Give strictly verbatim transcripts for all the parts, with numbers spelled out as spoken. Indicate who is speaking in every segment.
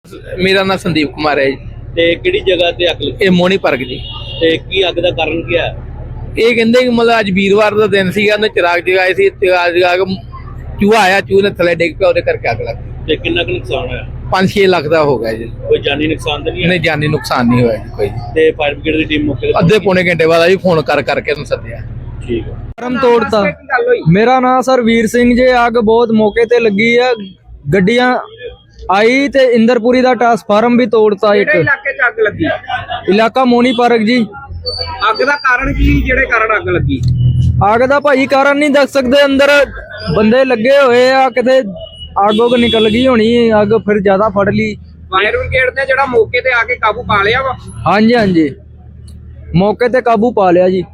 Speaker 1: मेरा नाम संदीप कुमार है जी।
Speaker 2: ਤੇ ਕਿਹੜੀ ਜਗ੍ਹਾ ਤੇ ਅੱਗ ਲੱਗੀ
Speaker 1: ये मोनी पार्क जी।
Speaker 2: ਤੇ ਕੀ ਅੱਗ ਦਾ ਕਾਰਨ ਕੀ ਹੈ?
Speaker 1: ये कहते कि मतलब अज वीरवार का दिन सीगा, उन्हें चिराग जगाए सी, चिराग जगा के चूहा आया, चूहे ने थले डिग पिया, करके अग लग गई।
Speaker 2: ਤੇ ਕਿੰਨਾ ਕੁ ਨੁਕਸਾਨ ਹੋਇਆ?
Speaker 1: पांच छे लाख का हो गया जी।
Speaker 2: ਕੋਈ ਜਾਨੀ ਨੁਕਸਾਨ ਤਾਂ ਨਹੀਂ ਹੈ?
Speaker 1: नहीं जानी नुकसान नहीं हुआ जी कोई।
Speaker 2: ਤੇ ਫਾਇਰ ਬ੍ਰਿਗੇਡ ਦੀ ਟੀਮ ਮੌਕੇ ਤੇ
Speaker 1: अद्धे पौने घंटे बाद अभी फोन कर करके उन्हें सद्या।
Speaker 2: ਠੀਕ ਹੈ।
Speaker 3: ਫਾਰਮ ਤੋੜਤਾ। ਮੇਰਾ ਨਾਮ ਸਰ ਵੀਰ ਸਿੰਘ ਜੇ। ਅੱਗ ਬਹੁਤ ਮੌਕੇ ਤੇ ਲੱਗੀ ਆ, ਗੱਡੀਆਂ ਆਈ ਤੇ ਇੰਦਰਪੁਰੀ ਦਾ ਟ੍ਰਾਂਸਫਾਰਮ ਵੀ ਤੋੜਤਾ। ਇੱਕ
Speaker 4: ਕਿਹੜੇ ਇਲਾਕੇ 'ਚ ਅੱਗ ਲੱਗੀ?
Speaker 3: ਇਲਾਕਾ ਮੋਨੀ ਪਾਰਕ ਜੀ।
Speaker 4: ਅੱਗ ਦਾ ਕਾਰਨ ਕੀ, ਜਿਹੜੇ ਕਾਰਨ ਅੱਗ ਲੱਗੀ?
Speaker 3: ਅੱਗ ਦਾ ਭਾਈ ਕਾਰਨ ਨਹੀਂ ਦੱਸ ਸਕਦੇ, ਅੰਦਰ ਬੰਦੇ ਲੱਗੇ ਹੋਏ ਆ, ਕਿਤੇ ਅੱਗ ਉੱਗ ਨਿਕਲ ਗਈ ਹੋਣੀ, ਅੱਗ ਫਿਰ ਜ਼ਿਆਦਾ ਫੜ ਲਈ।
Speaker 4: ਫਾਇਰ ਬ੍ਰਿਗੇਡ ਨੇ ਜਿਹੜਾ ਮੌਕੇ ਤੇ ਆ ਕੇ ਕਾਬੂ ਪਾ ਲਿਆ ਵਾ?
Speaker 3: ਹਾਂਜੀ ਹਾਂਜੀ, ਮੌਕੇ ਤੇ ਕਾਬੂ ਪਾ ਲਿਆ ਜੀ।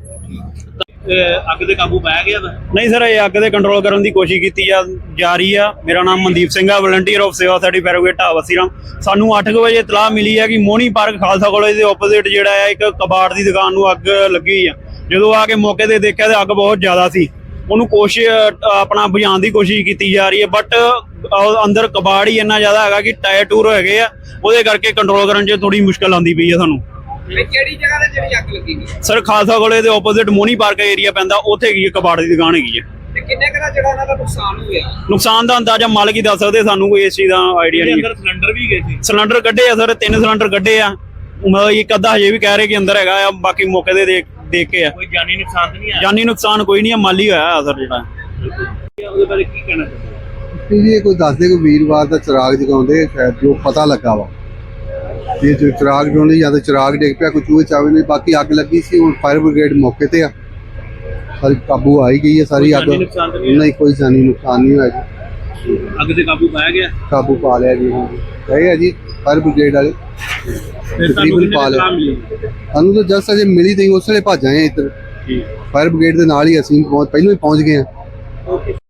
Speaker 2: ਇਹ ਅੱਗ ਤੇ ਕਾਬੂ ਪਾਇਆ ਗਿਆ ਵਾ?
Speaker 5: ਨਹੀਂ ਸਰ, ਇਹ ਅੱਗ ਤੇ ਕੰਟਰੋਲ ਕਰਨ ਦੀ ਕੋਸ਼ਿਸ਼ ਕੀਤੀ ਆ ਜਾ ਰਹੀ ਆ। ਮੇਰਾ ਨਾਮ ਮਨਦੀਪ ਸਿੰਘ ਆ, ਵਲੰਟੀਅਰ ਆਫ ਸੇਵਾ ਸਾਡੀ ਫਾਇਰ ਬ੍ਰਿਗੇਡ ਢਾਬਾ। ਸਾਨੂੰ ਅੱਠ ਕੁ ਵਜੇ ਇਤਲਾਹ ਮਿਲੀ ਹੈ ਕਿ ਮੋਹਣੀ ਪਾਰਕ ਖਾਲਸਾ ਕਾਲਜ ਦੇ ਆਪੋਜ਼ਿਟ ਜਿਹੜਾ ਹੈ ਇੱਕ ਕਬਾੜ ਦੀ ਦੁਕਾਨ ਨੂੰ ਅੱਗ ਲੱਗੀ ਹੋਈ ਆ। ਜਦੋਂ ਆ ਕੇ ਮੌਕੇ ਤੇ ਦੇਖਿਆ ਤੇ ਅੱਗ ਬਹੁਤ ਜ਼ਿਆਦਾ ਸੀ। ਉਹਨੂੰ ਕੋਸ਼ਿਸ਼ ਆਪਣਾ ਬੁਝਾਉਣ ਦੀ ਕੋਸ਼ਿਸ਼ ਕੀਤੀ ਜਾ ਰਹੀ ਹੈ, ਬਟ ਅੰਦਰ ਕਬਾੜ ਹੀ ਇੰਨਾ ਜ਼ਿਆਦਾ ਹੈਗਾ ਕਿ ਟਾਇਰ ਟੂਰ ਹੈਗੇ ਆ, ਉਹਦੇ ਕਰਕੇ ਕੰਟਰੋਲ ਕਰਨ 'ਚ ਥੋੜੀ ਮੁਸ਼ਕਲ ਆਉਂਦੀ ਪਈ ਆ ਸਾਨੂੰ।
Speaker 4: ਤੇ ਕਿਹੜੀ ਜਗ੍ਹਾ ਤੇ ਜਿਹੜੀ ਅੱਗ ਲੱਗੀ ਗਈ?
Speaker 5: ਸਰ ਖਾਲਸਾ ਕਾਲਜ ਦੇ ਆਪੋਜ਼ਿਟ ਮੋਹਣੀ ਪਾਰਕ ਏਰੀਆ ਪੈਂਦਾ, ਉੱਥੇ ਹੈਗੀ ਕਬਾੜ ਦੀ ਦੁਕਾਨ ਹੈਗੀ ਹੈ।
Speaker 4: ਤੇ ਕਿੰਨੇ ਕੁ ਦਾ ਜਿਹੜਾ ਇਹਨਾਂ ਦਾ ਨੁਕਸਾਨ ਹੋਇਆ?
Speaker 5: ਨੁਕਸਾਨ ਦਾ ਅੰਦਾਜ਼ਾ ਮਾਲਕ ਹੀ ਦੱਸ ਸਕਦੇ, ਸਾਨੂੰ ਕੋਈ ਇਸ ਚੀਜ਼ ਦਾ ਆਈਡੀਆ ਨਹੀਂ।
Speaker 2: ਅੰਦਰ ਸਿਲੰਡਰ ਵੀ ਗਏ ਸੀ?
Speaker 5: ਸਿਲੰਡਰ ਕੱਢੇ ਆ ਸਰ, ਤਿੰਨ ਸਿਲੰਡਰ ਕੱਢੇ ਆ। ਮਤਲਬ ਇੱਕ ਅੱਧਾ ਹਜੇ ਵੀ ਕਹਿ ਰਹੇ ਕਿ ਅੰਦਰ ਹੈਗਾ ਆ, ਬਾਕੀ ਮੌਕੇ ਤੇ ਦੇਖ ਦੇਖ ਕੇ ਆ।
Speaker 2: ਕੋਈ ਜਾਨੀ ਨੁਕਸਾਨ ਤਾਂ ਨਹੀਂ ਆਇਆ?
Speaker 5: ਜਾਨੀ ਨੁਕਸਾਨ ਕੋਈ ਨਹੀਂ ਆ, ਮਾਲੀ ਹੋਇਆ ਸਰ ਜਿਹੜਾ।
Speaker 2: ਉਹਦੇ ਬਾਰੇ ਕੀ ਕਹਿਣਾ ਚਾਹੁੰਦੇ?
Speaker 6: ਜੀ ਇਹ ਕੋਈ ਦੱਸਦੇ ਕੋਈ ਵੀਰਵਾਰ ਦਾ ਚਿਰਾਗ ਜਗਾਉਂਦੇ, ਸ਼ਾਇਦ ਜੋ ਪਤਾ ਲੱਗਾ ਵਾ ਇਹ ਜੋ ਚਿਰਾਗ ਜਗਾਉਂਦੇ ਜਾਂ ਤਾਂ ਚਿਰਾਗ ਡਿੱਗ ਪਿਆ, ਕੋਈ ਚੂਹੇ ਚਾਵੇ ਨਹੀਂ। ਬਾਕੀ ਅੱਗ ਲੱਗੀ ਸੀ, ਹੁਣ ਫਾਇਰ ਬ੍ਰਿਗੇਡ ਮੌਕੇ ਤੇ ਆ, ਸਾਰੀ ਕਾਬੂ ਆਈ ਗਈ ਹੈ ਸਾਰੀ ਅੱਗ। ਨਹੀਂ ਕੋਈ ਜਾਨੀ ਨੁਕਸਾਨ ਨਹੀਂ ਹੋਇਆ ਜੀ।
Speaker 2: ਅੱਗ ਤੇ ਕਾਬੂ ਪਾਇਆ ਗਿਆ?
Speaker 6: ਕਾਬੂ ਪਾ ਲਿਆ ਜੀ, ਗਏ ਆ ਜੀ ਫਾਇਰ ਬ੍ਰਿਗੇਡ ਵਾਲੇ, ਤਕਰੀਬਨ ਪਾ ਲਿਆ। ਸਾਨੂੰ ਤਾਂ ਜਸਟ ਅਜੇ ਮਿਲੀ ਤੇ ਉਸ ਵੇਲੇ ਭੱਜ ਆਏ ਇੱਧਰ। ਫਾਇਰ ਬ੍ਰਿਗੇਡ ਦੇ ਨਾਲ ਹੀ ਅਸੀਂ ਪਹੁੰਚ ਪਹਿਲਾਂ ਹੀ ਪਹੁੰਚ ਗਏ ਹਾਂ।